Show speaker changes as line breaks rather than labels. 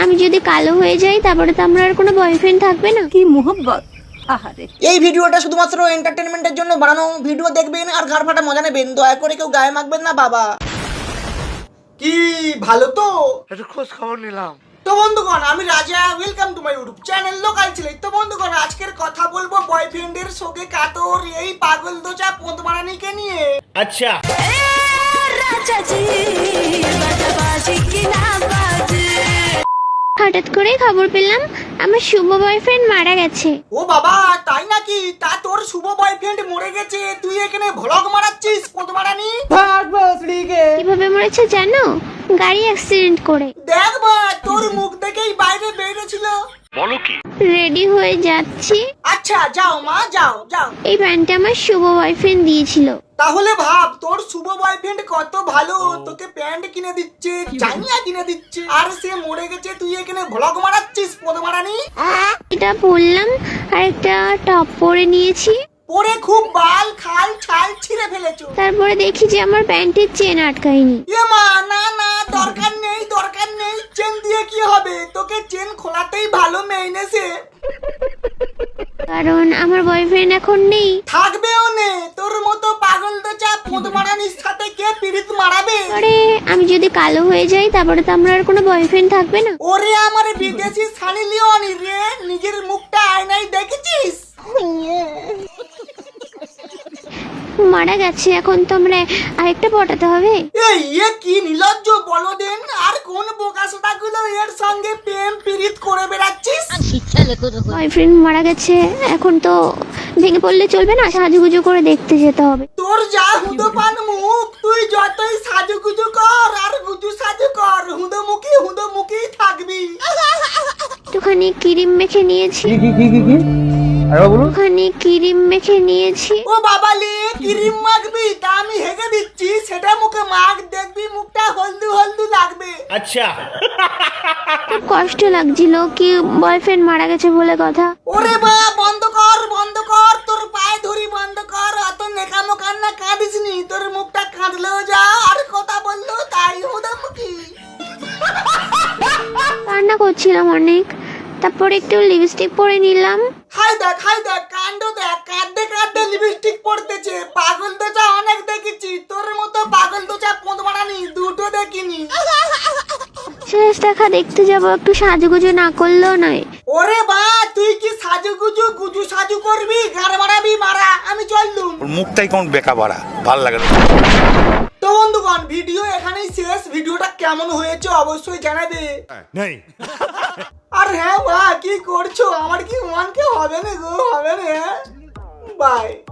আমি যদি কালো হয়ে যাই তারপরে তো আমার আর কোনো বয়ফ্রেন্ড থাকবে না।
কি মোহব্বত। আহারে,
এই ভিডিওটা শুধুমাত্র এন্টারটেনমেন্টের জন্য বানানো। ভিডিও দেখবেন আর ঘাড় ফাটা মজা নেবেন, দয়া করে কেউ গায়ে মাখবেন না বাবা। কি ভালো তো
একটু খোঁজ খবর নিলাম।
তো বন্ধুগণ, আমি Raja, welcome to my YouTube channel local ছেলে। তো বন্ধুগণ, আজকের কথা বলবো বয়ফ্রেন্ডের সঙ্গে কাতর এই পাগল দোচা পোঁতমারানিকে নিয়ে।
আচ্ছা,
হঠাৎ করে খবর পেলাম আমার শুভ বয়ফ্রেন্ড মারা গেছে।
ও বাবা, তাই নাকি? তা তোর শুভ বয়ফ্রেন্ড মরে গেছে, তুই এখানে ভ্লগ মারাচ্ছিস পোঁতমারানি?
কিভাবে মরেছে জানো? গাড়ি অ্যাক্সিডেন্ট করে।
দেখ বা, তোর মুখ দেখেই বাইরে বেরিয়েছিল।
বলো কি?
রেডি হয়ে যাচ্ছি।
আচ্ছা, যাও মা, যাও যাও।
এই প্যান্টটা আমার শুভ বয়ফ্রেন্ড দিয়েছিল।
তাহলে ভাব, তোর শুভ বয়ফ্রেন্ড কত ভালো, তোকে প্যান্ট কিনে দিচ্ছে, জাঙ্গিয়া কিনে দিচ্ছে, আর সে মরে গেছে, তুই এখানে ভ্লগ মারাচ্ছিস পোঁতমারানি?
এটা পরলাম আর একটা টপ পরে নিয়েছি।
পরে খুব বাল খাল ছাল ছিঁড়ে ফেলেছো।
তারপরে দেখি যে আমার প্যান্টের চেন আটকায়নি।
এ মা, না না, দরকার নেই দরকার নেই, চেন দিয়ে কি হবে? তোকে চেন খোলাতেই ভালো মেইনেছে।
কারণ আমার বয়ফ্রেন্ড এখন নেই।
থাকবেও নে, তোর মতো পাগল তো চা পোঁতমারানির সাথে কে পিরিত মারাবে?
আরে আমি যদি কালো হয়ে যাই তারপরে তো আমার আর কোনো বয়ফ্রেন্ড থাকবে না।
ওরে আমার বিদেশি সানি লিওনি রে, নিজের মুখটা আয়নায় দেখেছিস?
মারা গেছে, এখন তো আমরা আরেকটা পটাতে হবে।
এই কি নির্লজ্জ বলদেন, আর কোন বোকাসোটাগুলো এর সঙ্গে প্রেম পিরিত করে বেড়াচ্ছিস?
বয়ফ্রেন্ড মারা গেছে, এখন তো ভেঙে পড়লে চলবে না, সাজুগুজু করে দেখতে যেতে হবে।
তোর যা হুদোপান মুখ, তুই যতই সাজুগুজু কর আর গুজু সাজু কর, হুদোমুখী থাকবি।
একটুখানি ক্রিম মেখে নিয়েছি। একটুখানি ক্রিম মেখে নিয়েছি।
ও বাবা লে, ক্রিম মাখবি? তা আমি হেগে দিচ্ছি, সেটা মুখে মাখ, দেখবি মুখটা হলদু হলদু লাগবে।
আচ্ছা,
খুব কষ্ট লাগছিল কি বয়ফ্রেন্ড মারা গেছে বলে কথা।
ওরে বা, বন্ধ কর, তোর পায়ে ধরি বন্ধ কর, অত নেকামো কান্না কাঁদিস নি, তোর মুখটা কাঁদলেও যা আর কথা বললেও তাই, হুদোমুখী।
কান্না করছিলাম অনেক, তারপরে একটু লিপস্টিক পরে নিলাম।
হাই দেখ কাণ্ড দেখ, কাঁদতে লিপস্টিক পড়তেছে। পাগল দোচা অনেক দেখেছি, তোর মতো পাগল দোচা পোঁতমারানি দুটো দেখিনি।
শেষ দেখা দেখতে যাব, একটু সাজুগুজু না করলেও নয়।
ওরে বা, তুই কি গুজু সাজু করবি? গাড় মারাবি মারা, আমি চললুম।
ওর মুখটাই কোন বেকা বাড়া, ভাল লাগে না।
তো বন্ধুগণ, ভিডিও এখানেই শেষ। ভিডিওটা কেমন হয়েছে অবশ্যই জানাবে।
নেই
আর হ্যাঁ বা, কি করছো? আমার কি মনকে হবে না গো, হবে না। বাই।